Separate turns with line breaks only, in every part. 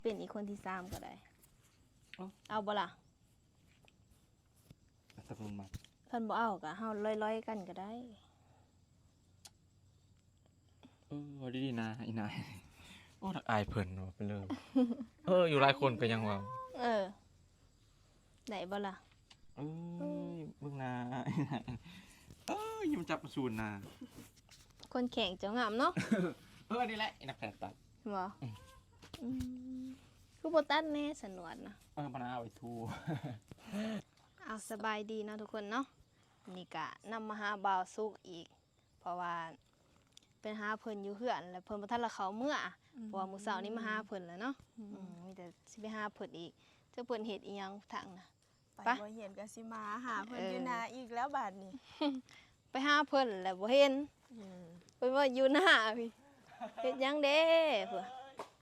เป็นอีกคนที่3ก็ได้เอาบ่ล่ะ
ตะกุนมา
เพิ่นบ่เอาก็เฮาลอยๆกันก็ได้
ดีๆนะอีนายโอ้ทักอายเพิ่นว่าไปเลยอยู่หลายคนก็ยังว่า
ได้บ่ล่ะ
เบิ่งนาอีนายยิ้มจับมาสูนนา
คนแข่งเจ้างามเนาะ
นี่แหละนักแพทย์ตัด
บ่คือบ่ตัดแน่สนวนนะ
มะนาวไว้ทู
เอาสบายดีเนาะทุกคนเนาะนี่ก็นำมาหาบ่าวสุกอีกเพราะว่าเป็นหาเพิ่นอยู่เฮือนแล้วเพิ่นบ่ทันละเขาเมื่อเพราะว่ามื้อเช้านี้มาหาเพิ่นแล้วเนาะมีแต่สิไปหาเพิ่นอีกเจ้าเพิ่นเฮ็ดอีหยังทางน่ะ
ไปบ่เห็นก็สิมาหาเพิ่นอยู่นาอีกแล้วบาดนี้
ไปหาเพิ่นแล้วบ่เห็นเพิ่นว่าอยู่หน้าพี่เฮ็ดหยังเด้เพิ่น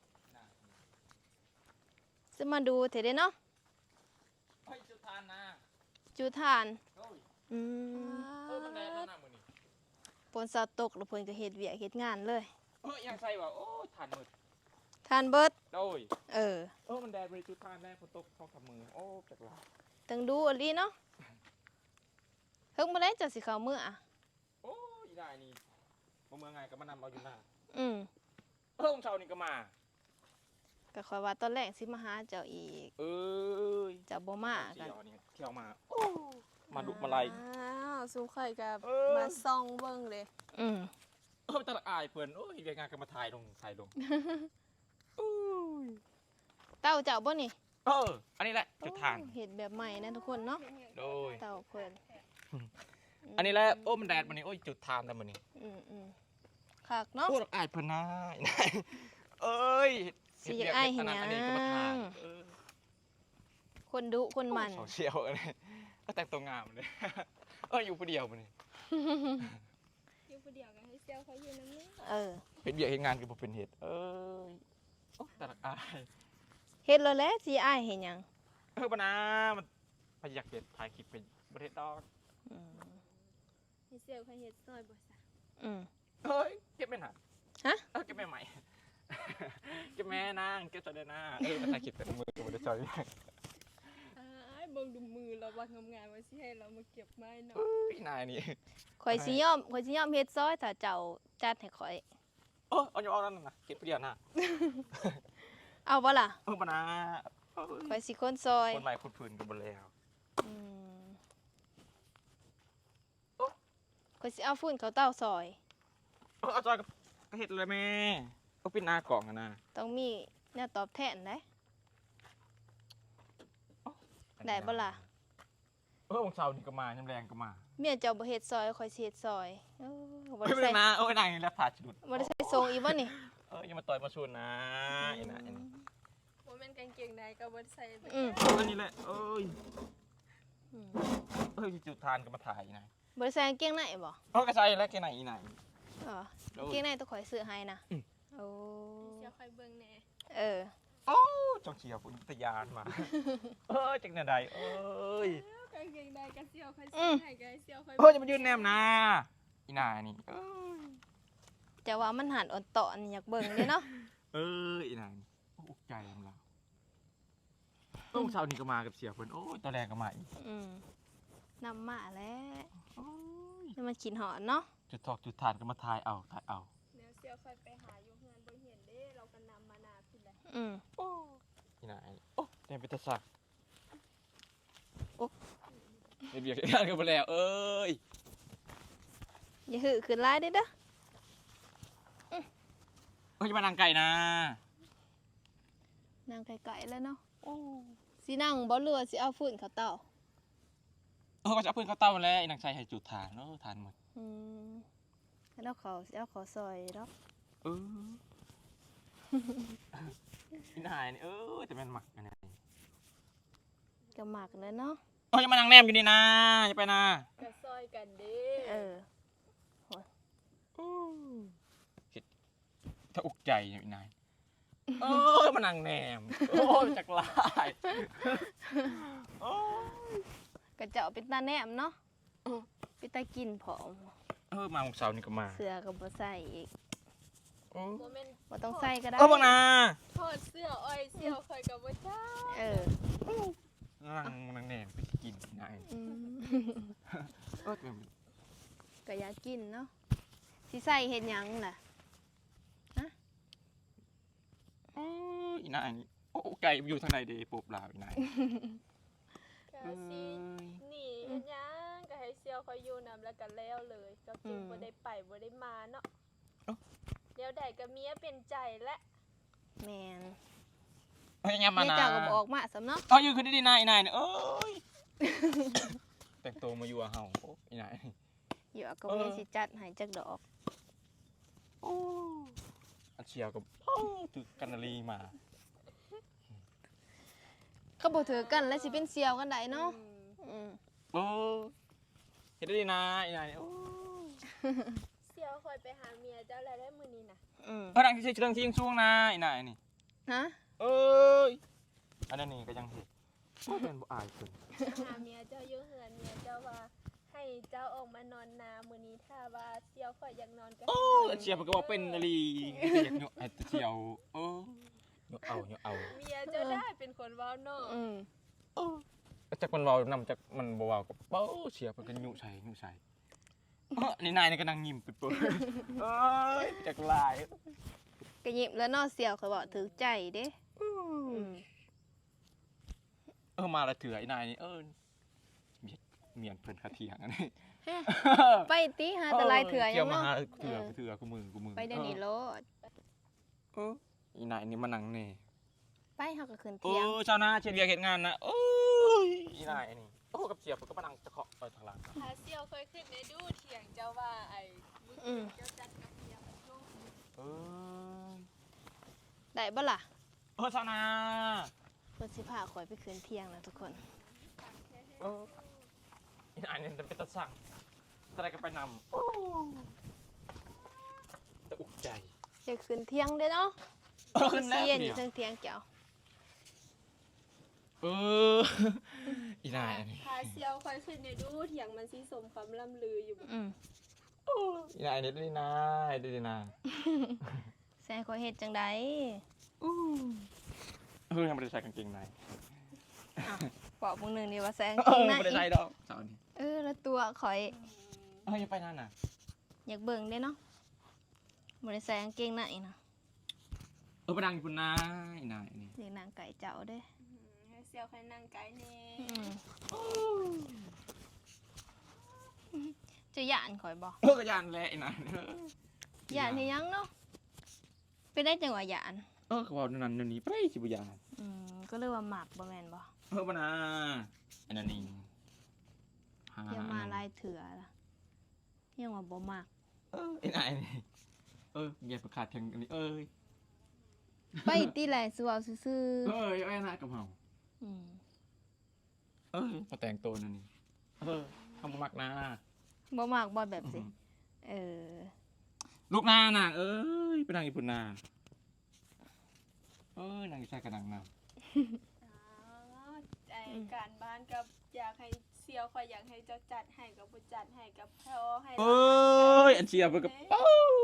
จะมาดูเถิดเด้เนาะ
จุดทานนะ
จุดทาน
มันแดดแล้วนะมื้อนี้
ฝนเช้าตกแล้วเพิ่นก็เฮ็ดเวียกเฮ็ดงานเลย
ยังใส่ว่าทานมืด
ทานเบิด
โดยมันแดดบ่ได้จุดทานแน่ฝนตก2-3 มื้อจักว่า
ตั้งดูอลีเนาะเฮิงบ่ได้จะสิเข้ามื้อ
อีได้นี่บ่เมื่อไงก็มานำเอาอยู่หน้าเช้านี่ก็มา
ก็ค่อยว่าตอนแรกสิมาหาเจ้าอีกเจ้าบ่มากัน
เที่ยวมามาดุมาไล่
สู้ข่อยก็มาส่องเบิ่งเลย
ตะละอายเพิ่นเฮ็ดงานก็มาถ่ายลง
เต้าเจ้าบ่นี่
อันนี้แหละจุดทาน
เฮ็ดแบบใหม่นะทุกคนเนาะ
โดย
เต้าเพิ่น
อันนี้แหละมันแดดมื้อนี้จุดทานแต่มื้อนี้
คักเนาะ
อายเพิ่นนะ
สิอยากอายเห็นหยังคนดุคนมัน
โซเชียลก็แต่งตัวงามเลยอยู่ผู้เดียวมื้อนี้
อยู่ผู้เดียวกันให้เซลเขาอยู่นำนี้
เฮ็ดเวียกเฮ็ดงานก็บ่เป็นเฮ็ดแต่ละอาย
เฮ็ดแล้วแหละสิอายเห็นหยัง
บ่นะมันพยายามเฮ็ดถ่ายคลิปไปบ่เฮ็ดดอก
ให้เซลเขาเฮ็ดซอยบ่ซะ
เก็บแม่น่ะเก็บแม่ใหม่เก็บแม่นางเก็บซอยได้นะมาถ่ายคลิปแต่มือก็บ่ได้ซอย
เบิ่งดูมือเราว่างามๆว่าสิให้เรามาเก็บไม้เนาะ
นายนี่
ข่อยสิยอมเฮ็ดซอยถ้าเจ้าจัดให้ข่อย
เอาอยู่เอานั่นน่ะเก็บผู้เดียวน่ะ
เอาบ่ล่ะ
บ่นะ
ข่อยสิคนซอย
คนใหม่คนพื้นก็บ่แล้ว
ข่อยสิเอาฝุ่นเขาเต้าซอย
เอาซอยก็เฮ็ดเลยแม่ปิดหน้ากล่องนะ
ต้องมีแนวตอบแทนได้บ่ล่ะ
วันเสาร์นี่ก็มายามแรงก็มา
เมียเจ้าบ่เฮ็ดซอยข่อยสิเฮ็ดซอย
บ่ได้ใส่นะนางนี่แล้วผ่าชุด
บ่ได้ใส่ทรงอีบ่นี่
อย่ามาต่อยมาชุนนะอีน่ะอันนี้
บ่แม่นกางเกงในก็บ่ได้ใส่
อันนี้แหละจุดทานก็มาถ่ายนะ
บ่ได้ใส่กางเกงในบ่
ก็ใส่แล้วเกงในอีไหน
กางเกงในต้องข่อยซื้อให้นะ
เสียค่อยเบิ่งแน่
จังเชียวพุ่นตะยานมาจังได๋
กางเกงในก็เสียวค่อยซื้อให้ก็เสียวค่อย
จะมายืนแนมนะอีน่านี่
จะว่ามันหันอ่อนตอนอยากเบิ่งเด้เนาะ
อีน่านี่อุกใจของเราเช้านี้ก็มากับเสียเพิ่นตอนแรกก็มาอีก
นำมาแล้วนี่มันขินหอนเนาะ
จุดทอกจุดทานก็มาถ่ายเอา
เดี๋ยวเสียวค่อยไปหาอยู่เฮือนบ่เห็นเด้เราก็นำมานาพี่แหละ
อีน่านี่เป็นตะสักเบียกงานกันไปแล้ว
อย่าหือขึ้นไล่ได้เด้
จะมานั่งไก่นะ
นั่งไก่แล้วเนาะสินั่งบ่เรือสิเอาฟืนเขาเต่า
ก็จะเอาฟืนเขาเต่าแล้วอีนางชายให้จุดทานทานหมด
แล้วเขาเอาขอซอยเนาะ
อีนายนี่แต่มันหมักอันนี้
ก็หมักแล้วเนาะ
อย่ามานั่งแนมอยู่นี่นะอย่าไปนะ
กระซอยกันดิ
ถ้าอุกใจอยู่นายมานั่งแนมจักลาย
กระเจาะเป็นตาแนมเนาะเป็นตากินผอม
มาของเสาร์นี่ก็มา
เสื้อก็บ่ใส่อีก
บ่แม่น
บ่ต้องใส่ก็ได้
บังนา
ทอดเสื้ออ้อยเสื้อข่อยก็บ่จ้า
เออ
นั่งแหนมไปกินนาย
อืม
เออ
ก็อยากกินเนาะสิใส่เฮ็ดหยังล่ะ
อีนายนี่โอ้ไก่อยู่ทางไหนเด้ปบลาวอีนาย
ก็สินี่เฮ็ดหยังก็ให้เสื้อข่อยอยู่นํแล้วก็แล้วเลยก็จึงบ่ได้ไปบ่ได้มาเนาะเดี๋ยวใดก็เมียเป็นใจและ
แม่น
เฮ้ยยังมา
แม่
นา
เจ้าก็บ่ออกมาสำเนาะ
อ๋ออยู่คือดีนายอีนายเนี่ยเอ้ยแต่งตัวมาอยู่กับเฮาโอ้อีนาย
อยู่ก็บ่ได้สิจัดให้จักดอก
โอ้อันเชียวกับตึกกันนาลีมา
ก็บ่ถือกันแล้วสิเป็นเสี่ยวกันได้เนาะอืม
โอ้เฮ็ดได้ดีนะอีนายโอ้
เสื้อข่อยไปหาเมียเจ้าแล้วได้มื้อนี้น่ะ
อืม
เออดังที่เรื่องที่ยังช่วงนะอีนายนี่
ฮะ
เอ้ยอันนั้นนี่ก็ยังเห็นโอ้เป็นบ่อายเพิ่น
หาเมียเจ้าอยู่เฮือนเมียเจ้าว่าให้เจ้าออกมานอนนามื้อนี้ถ้าว่าเสี่ยวข่อยอยากนอนก็
โอ้อันเชียวมันก็บอกเป็นนาลีอยากเนาะไอ้เชียวโอ้เนาะเอา
เมียเจ้าได้เป็นคนเว้าเนาะ
อืม
จักมันเว้านำจักมันบ่เว้ากับเป้าเชียวเพิ่นก็ยุใส่นี่นายนี่ก็นั่งยิ้มเปื่อยๆเอ้ยจักลาย
ก็ยิ้มแล้วเนาะเสี่ยวเขาบอกถือใจเด้อืม
มาละเถื่อไอ้นายนี่เมียนเพิ่นคาเถียงอันนี้
ไปติหาแต่ลายเถื่อหยั
เกี่ยว
ง
มา
เนาะ
หาเถื่อกูมือ
ไปเดี๋ยวนี้โลด
อีนายนี่มานั่งนี่
ไปเฮาก็ขึ้น
โอ้
เที่ยง
ชาวนาเชียร์เวียกเฮ็ดงานนะโอ้ยอีนายนี่โอ้กับเชียร์เพิ่นก็มานั่งจะเคาะไปทางหลัง
หาเสี่ยวเคยขึ้นในดูเถียงเจ้าว่าไอ้มื้อคืนเจ้าจัดกับเมียมันลูก
เออ
ได้บ่ล่ะ
ชาวนา
เพิ่นสิพาข่อยไปขึ้นเที่ยงนะทุกคน
อีนายนี่เป็นตาสั่งอะไรก็ไปนำโอ้ตะอุกใจ
จะขึ้นเที่ยงเด้อเนาะ
ขึ้นแล้ว
เสียนอ
เนี่
ยู่
ย
เทิงเที่ยงเจ้า
อีนายอันนี้
หาเสี่ยวเคยขึ้นในดูเถียงมันสิสมความล่ำลืออยู่บ่
อืม
อีนายนี่ดีนะ
แซ่ข่อยเฮ็ดจังได๋
ยังไม่ได้ใส่กางเกงใน
บอกมึงหนึงนี่ว่าแซ่
ไม่ได้ใส่ดอกสาวนี่
แล้วตัวข่อย
อย่าไปนั่นน่ะ
อยากเบิ่งเด้เนาะบ่ได้ใส่กางเกงในนะ
ไปดังญี่ปุ่นนะอีนายนี่
เรียกนางไก่เจ้าเด้
ให้เสี่ยวเคยนั่งไกลแน่
จะย่านข่อยบ่
กระยานแหละอีนาย
ย่านเฮ็ดหยังเนาะเป็นได้จังว่าย่าน
เขาบอกนั่นนั่นนี่ไปสิบุยาน
ก็เลยว่าหมักบ่แม่นบ่
ปะนะอันนั้นนี่
อย่ามาลายเถื่อล่ะยังว่าบ่มัก
อีนายนี่เมียประกาศทางอันนี้
ไปติแหละสิเว้าซื่อ
ไอ้นายกับเฮา
ๆอืม
มาแต่งตัวนั่นนี่ทำมักนะ
บ่มักบ่แบบสิเออ
ลูกนาน่ะไปดังญี่ปุ่นนานางใส่กระดังนะ
ใจการบ้านกับอยากให้เสี่ยวข่อยอยากให้เจ้าจัดให้กับบ่จัดให้กับพ่อให้
อันเชียร์ไปกับเอา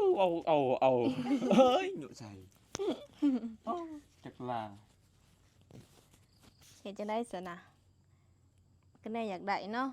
หยุดใส่จักรลา
เฮ็ดจังได๋ซะนะก็แน่อยากได้เนาะ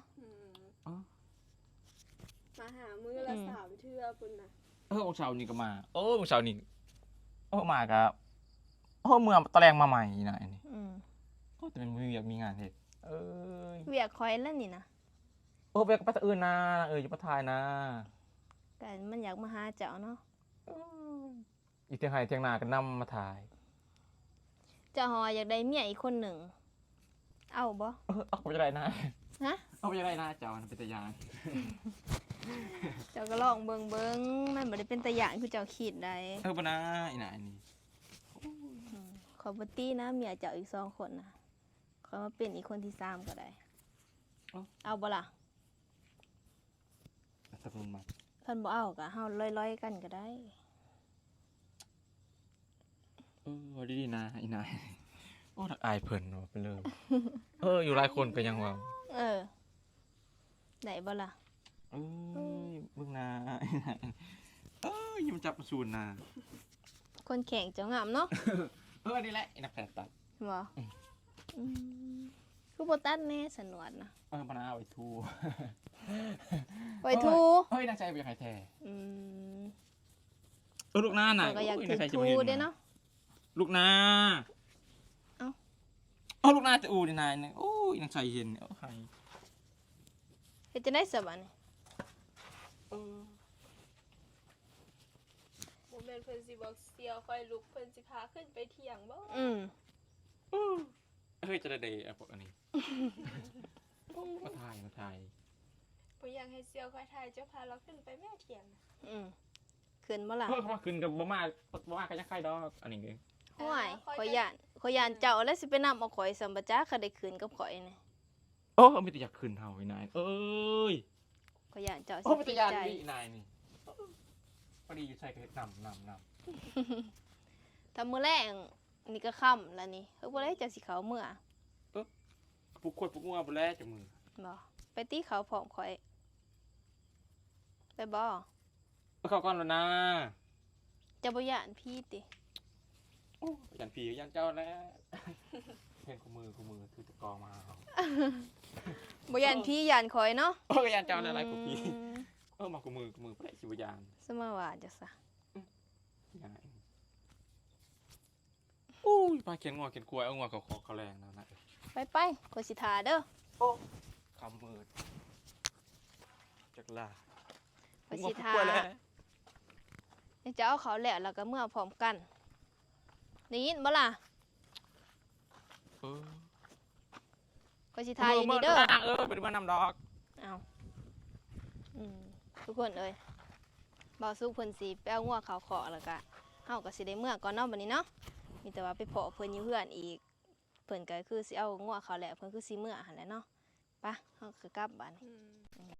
มาหามื้อละ3เทื่อพุ่นน่ะ
วันเสาร์นี้ก็มาวันเสาร์นี้มากับเมื่อตะแรงมาใหม่นะอันนี้แต่มันมีงานเฮ็ด
เวียกข่อยแล้วนี่นะ
ไปกับป้าตะอื่นนะอยู่ป้าทายนะ
ก็มันอยากมาหาเจ้าเนาะ
อีเทียงไห้เทียงนาก็นำมาถ่าย
เจ้าหออยากได้เมียอีกคนหนึ่งเอาบ่
เอาไปจะได้นะ
ฮะ
เอาไปจะได้นะเจ้าเป็นตะยาน
เจ้าก็ลองเบิ่งมันบ่ได้เป็นตะหยานคือเจ้าคิดได้
ปะนะอีน่ะอันนี้
ขอบ่ตี้นะเมียเจ้าอีก2คนนะขอมาเป็นอีกคนที่3ก็ได้เอาบ่ล่ะ
สักคนมา
คันบ่เอาก็เฮาลอยๆกันก็ได้
ดีๆนะอีน่ะทักอายเพิ่นว่าไปเลยอยู่หลายคนก็ยังว่า
ได้บ่ล่ะ
มึงนะยิ้มจับมาสูนนะ
คนแข่งเจ้างามเนาะ
นี่แหละไอ้นักแข่งตัด
บ่อืมคือบ่ตัดแน่สนวนนะ
มะนาวไว้ทู
ไว้ทู
เฮ้ยนางใจไปยังไงแท้
อืม
ลูกหน้าน่ะ
เราก็อยาก
โ
ถือ
ใจจะ
ทู
มาห็
เด้เนาะ
ลูกหน้า
เอ้า
เอาลูกหน้าจะอูดินายเนี่ยโอ้ยนางใจเห็นโอ้ย
เฮ็ดจังได๋ซะบัดนี้
บ่แม่นเพิ่นสิบอกเสียวคอยลุกเพิ่นสิพาขึ้นไปเที่ยงบ่
อืม
เฮ้ยจะได้พวกอันนี้มาถ่าย
บ่อยากให้เสียวคอยถ่ายเจ้าพาเราขึ้นไปแม่เที่ยง
อืมขึ้นบ่ล่ะ
เฮ้ยเขามาขึ้นกับบ่มากันยังใครดอกอันนี้เอง
ห่วยข่อยย่านเจ้าแล้วสิไปนำเอาข่อยสัมปะจ๊ะเขาได้คืนกับข่อยนี่
โอ้ไม่แต่อยากขึ้นเฮาไอ้นายเอ้ย
ข่อยย่านเจ้าสิ
โอ้ไม่แต่ยาน
ใจ
นี่นายนี่พอดีอยู่ใส่กระเฮ็ดนำ
ถ้ามื้อแรงนี่ก็ค่ำแล้วนี่เฮ้ยบ่ได้จะสิเข้าเมื่อ
ปลุกขวดปลุกงัวบ่แล้วจังมือ
บ่ไปตีเขาพร้อมข่อยไปบ่
เข้าก่อนแล้วนะ
จะบ่ย่านพี่ติ
โอ้ยันผียันเจ้าแล้ว เห็นคู่มือถือตะกอมาเอา
บ่ย่านพี่ย่านข่อยเนาะ
โอ้ยันเจ้าแล้วอะไรกูพี่
อืม
มาคู่มือบ่ได้สิบ่ยาน
สมาว่าจังซะ
ยายอู้ยปลาเขียนงัวเขียนกล้วยเอางัวเขาแรงนะ
ไปข่อยสิท่าเด้อ
คำมืดจักลา
ข่อยสิท่าเดี๋ยวจะเอาเขาแล้วแล้วก็เมื่อพร้อมกันได้ยินบ่ล่ะ
เออ
ข่อยสิท่าอยู่นี่เด้อ
เป็นมานำดอก
เอาทุกคนเอ้ยบ่าวสุกเพิ่นสิไปเอางัวเขาขอแล้วก็เฮาก็สิได้เมื่อก่อนเนาะบัดนี้เนาะมีแต่ว่าไปเพาะเพิ่นอยู่เฮือนอีกเพิ่นก็คือสิเอางัวเขาแหละเพิ่นคือสิเมื่อหั่นแหละเนาะไปเฮาก็กลับบัดนี้
อืม